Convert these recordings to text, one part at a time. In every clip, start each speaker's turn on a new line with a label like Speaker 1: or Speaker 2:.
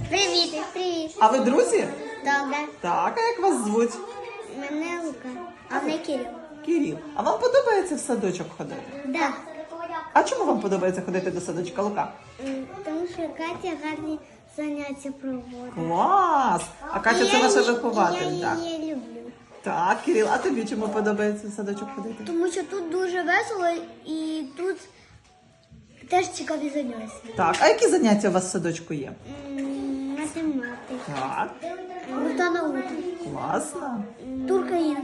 Speaker 1: Привіт, привіт.
Speaker 2: А ви друзі?
Speaker 1: Добре.
Speaker 2: Так, а як вас звуть?
Speaker 1: Мене Лука, а мене Кирил.
Speaker 2: Кирил. А вам подобається в садочок ходити?
Speaker 1: Да.
Speaker 2: А чому вам подобається ходити до садочка, Лука?
Speaker 1: Тому що Катя гарні заняття проводить.
Speaker 2: Клас! А Катя це ваша вихователь,
Speaker 1: Я
Speaker 2: так?
Speaker 1: її люблю.
Speaker 2: Так, Кирил, а тобі чому подобається в садочок ходити?
Speaker 1: Тому що тут дуже весело і тут теж цікаві заняття.
Speaker 2: Так, а які заняття у вас в садочку є?
Speaker 1: Математика.
Speaker 2: Так,
Speaker 1: Рута наука.
Speaker 2: класно.
Speaker 1: Туркаїн.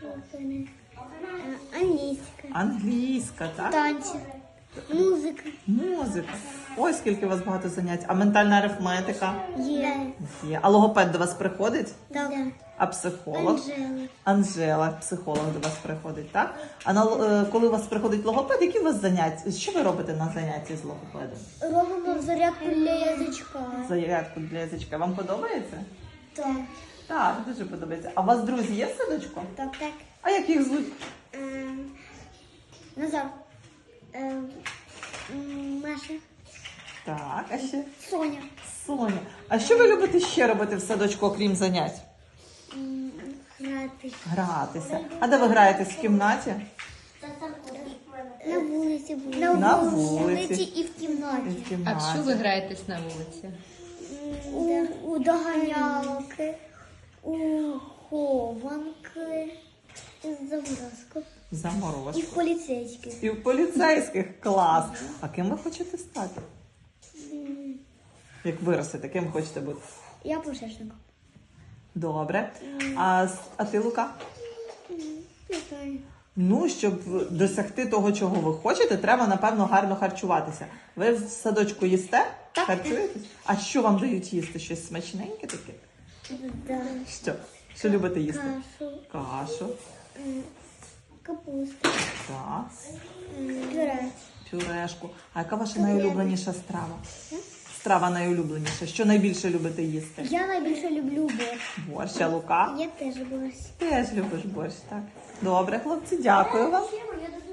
Speaker 1: Англійська.
Speaker 2: Англійська, так?
Speaker 1: Танці. Музика.
Speaker 2: Музика. Ой, скільки у вас багато занять. А ментальна арифметика?
Speaker 1: Є.
Speaker 2: Є. А логопед до вас приходить?
Speaker 1: Так.
Speaker 2: А психолог?
Speaker 1: Анжела.
Speaker 2: Анжела, психолог до вас приходить, так? А коли у вас приходить логопед, які у вас заняття? Що ви робите на занятті з логопедом?
Speaker 1: Робимо зарядку для язичка.
Speaker 2: Зарядку для язичка. Вам подобається?
Speaker 1: Так.
Speaker 2: Так, дуже подобається. А у вас друзі є в садочку?
Speaker 1: Так.
Speaker 2: А як їх звуть?
Speaker 1: Назар. Маша.
Speaker 2: Так, а ще?
Speaker 1: Соня.
Speaker 2: Соня. А що ви любите ще робити в садочку, окрім занять?
Speaker 1: Грати.
Speaker 2: Гратися. А де ви граєтесь в кімнаті?
Speaker 1: На вулиці були.
Speaker 2: На вулиці.
Speaker 1: І в кімнаті.
Speaker 2: І в
Speaker 3: А
Speaker 2: кімнаті.
Speaker 3: в що ви граєтесь на вулиці?
Speaker 1: У доганялки, у хованки, заморозку. І
Speaker 2: Заморозку.
Speaker 1: в поліцейських.
Speaker 2: І в поліцейських. Клас. А ким ви хочете стати? Як виростете, ким хочете бути?
Speaker 1: Я пожежник.
Speaker 2: Добре. А ти, Лука?
Speaker 1: Не знаю.
Speaker 2: Ну, щоб досягти того, чого ви хочете, треба, напевно, гарно харчуватися. Ви в садочку їсте?
Speaker 1: Так.
Speaker 2: Харчуєтесь? А що вам дають їсти? Щось смачненьке таке?
Speaker 1: Да.
Speaker 2: Що? Що любите їсти?
Speaker 1: Кашу,
Speaker 2: Кашу.
Speaker 1: капусту,
Speaker 2: Так.
Speaker 1: пюре.
Speaker 2: Пюрешку. А яка ваша найулюбленіша страва? Страва найулюбленіша. Що найбільше любите їсти?
Speaker 1: Я найбільше люблю борщ.
Speaker 2: Борщ, а Лука?
Speaker 1: Я теж борщ.
Speaker 2: Теж любиш борщ, так. Добре, хлопці, дякую вам.
Speaker 1: Я